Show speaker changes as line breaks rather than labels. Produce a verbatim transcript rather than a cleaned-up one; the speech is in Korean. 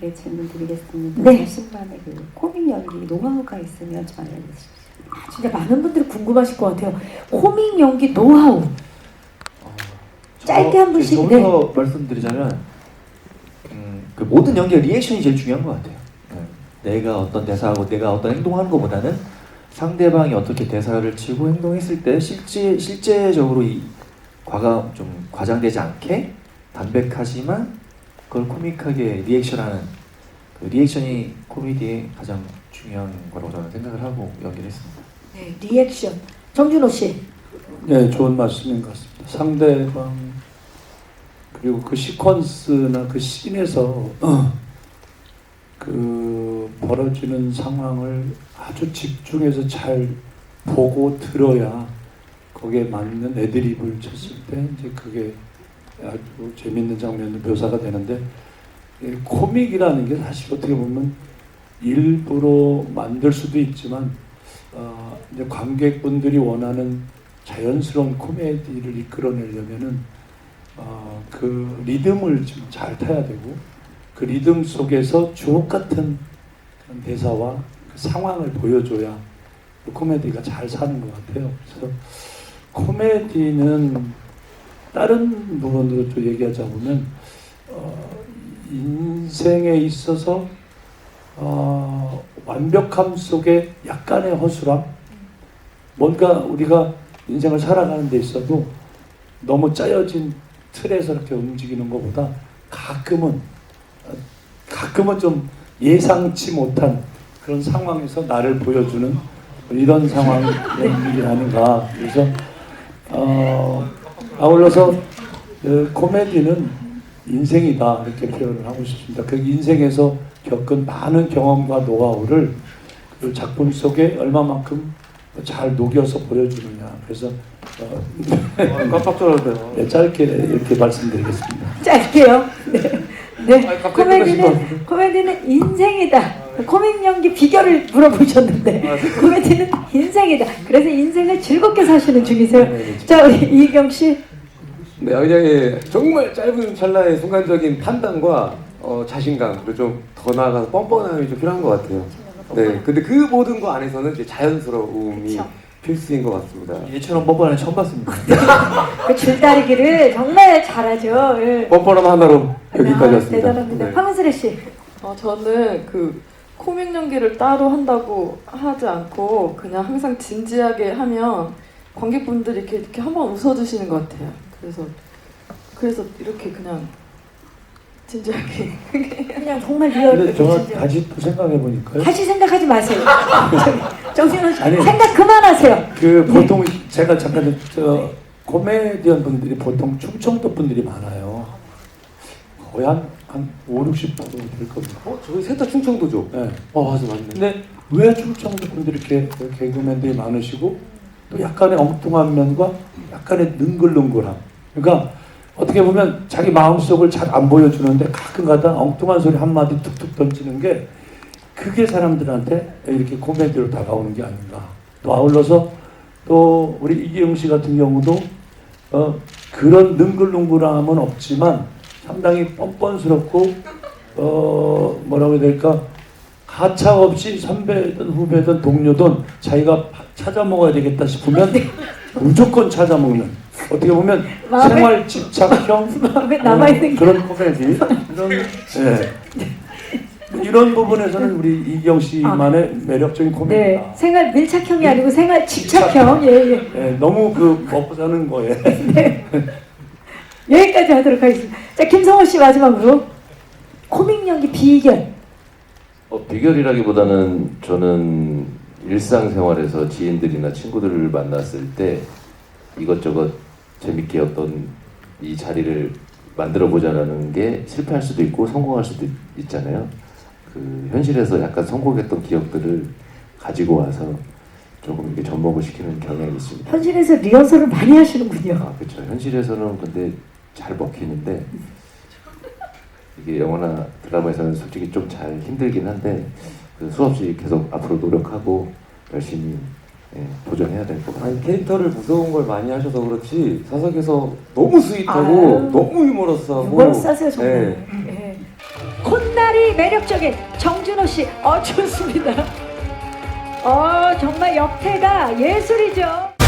게 질문 드리겠습니다.
네.
자신만의 그 코믹 연기 노하우가 있으면 좀 알려주십시오.
아, 진짜 많은 분들이 궁금하실 것 같아요. 코믹 연기 노하우.
어,
짧게 한 분씩,
저부터 말씀드리자면 음, 그 모든 연기의 리액션이 제일 중요한 것 같아요. 네. 내가 어떤 대사하고 내가 어떤 행동하는 것보다는 상대방이 어떻게 대사를 치고 행동했을 때 실제 실제적으로 이 과가 좀 과장되지 않게 담백하지만 그걸 코믹하게 리액션하는 그 리액션이 코미디의 가장 중요한 거라고 저는 생각을 하고 연기를 했습니다.
네, 리액션. 정준호 씨.
네, 좋은 말씀인 것 같습니다. 상대방 그리고 그 시퀀스나 그 씬에서 그 벌어지는 상황을 아주 집중해서 잘 보고 들어야 거기에 맞는 애드립을 쳤을 때 이제 그게 아주 재밌는 장면으로 묘사가 되는데, 이 코믹이라는 게 사실 어떻게 보면 일부러 만들 수도 있지만 어, 이제 관객분들이 원하는 자연스러운 코미디를 이끌어내려면은 어, 그 리듬을 좀 잘 타야 되고 그 리듬 속에서 주옥 같은 그런 대사와 그 상황을 보여줘야 그 코미디가 잘 사는 것 같아요. 그래서 코미디는 다른 부분으로 또 얘기하자면 어, 인생에 있어서 어, 완벽함 속에 약간의 허술함, 뭔가 우리가 인생을 살아가는 데 있어도 너무 짜여진 틀에서 이렇게 움직이는 것보다 가끔은 가끔은 좀 예상치 못한 그런 상황에서 나를 보여주는 이런 상황이 아닌가. 그래서 어, 아울러서 그 코미디는 인생이다 이렇게 표현을 하고 싶습니다. 그 인생에서 겪은 많은 경험과 노하우를 그 작품 속에 얼마만큼 잘 녹여서 보여주느냐. 그래서 어,
깜짝 놀랐네요.
네, 짧게 이렇게 말씀드리겠습니다.
짧게요. 네. 네.
아니, 갑자기
코미디는 코미디는 인생이다. 코믹 연기 비결을 물어보셨는데 코미디는 인생이다. 그래서 인생을 즐겁게 사시는 중이세요. 자, 우리 이경 씨.
네, 그냥 정말 짧은 찰나의 순간적인 판단과 어, 자신감, 그리고 좀 더 나아가서 뻔뻔함이 좀 필요한 것 같아요. 네, 근데 그 모든 거 안에서는 이제 자연스러움이
그쵸.
필수인 것 같습니다.
얘처럼 뻔뻔한 처음 봤습니다.
그 줄다리기를 정말 잘하죠. 예.
뻔뻔함 하나로 여기까지
아,
왔습니다.
대단합니다.
네.
황은슬 씨.
어, 저는 그 코믹 연기를 따로 한다고 하지 않고 그냥 항상 진지하게 하면 관객분들이 이렇게, 이렇게 한번 웃어주시는 것 같아요. 그래서 그래서 이렇게 그냥 진지하게
그냥 정말 리얼.
근데 저 다시 또 생각해 보니까요.
다시 생각하지 마세요. 정신호 씨,
아니,
생각 그만하세요.
그 보통 제가 잠깐 저 코미디언 분들이 보통 충청도 분들이 많아요. 거의 한, 한 오, 육십 퍼센트 될 겁니다.
어, 저희 셋 다 충청도죠?
네.
어, 맞아, 맞네.
근데 왜 충청도 분들이 이렇게 개그맨들이 많으시고 또 약간의 엉뚱한 면과 약간의 능글능글함. 그러니까 어떻게 보면 자기 마음속을 잘 안 보여주는데 가끔가다 엉뚱한 소리 한마디 툭툭 던지는 게 그게 사람들한테 이렇게 코미디로 다가오는 게 아닌가. 또 아울러서 또 우리 이기영 씨 같은 경우도 어, 그런 능글능글함은 없지만 상당히 뻔뻔스럽고 어, 뭐라고 해야 될까, 가차 없이 선배든 후배든 동료든 자기가 찾아 먹어야 되겠다 싶으면 무조건 찾아 먹는, 어떻게 보면
마음에-
생활 집착형
마음에 남아있는 게.
그런 코미디 이런, 예. 이런 부분에서는 우리 이경 씨만의 매력적인 코미디다.
네, 생활 밀착형이 아니고 생활 집착형. 예, 예.
예, 너무 그 먹고 사는 거에
여기까지 하도록 하겠습니다. 자, 김성호 씨 마지막으로 코믹 연기 비결.
어, 비결이라기보다는 저는 일상생활에서 지인들이나 친구들을 만났을 때 이것저것 재밌게 어떤 이 자리를 만들어 보자라는 게 실패할 수도 있고 성공할 수도 있잖아요. 그 현실에서 약간 성공했던 기억들을 가지고 와서 조금 이렇게 접목을 시키는 경향이 있습니다.
현실에서 리허설을 많이 하시는군요.
아, 그렇죠. 현실에서는 근데 잘 먹히는데 이게 영화나 드라마에서는 솔직히 좀 잘 힘들긴 한데 그 수없이 계속 앞으로 노력하고 열심히 예, 도전해야 될 것 같아요.
아니 캐릭터를 무서운 걸 많이 하셔서 그렇지 사석에서 너무 스윗하고
아유.
너무 유머러스하고
유머러스하세요 정말.
네.
예. 콧날이 매력적인 정준호 씨, 어 좋습니다. 어 정말 역태가 예술이죠.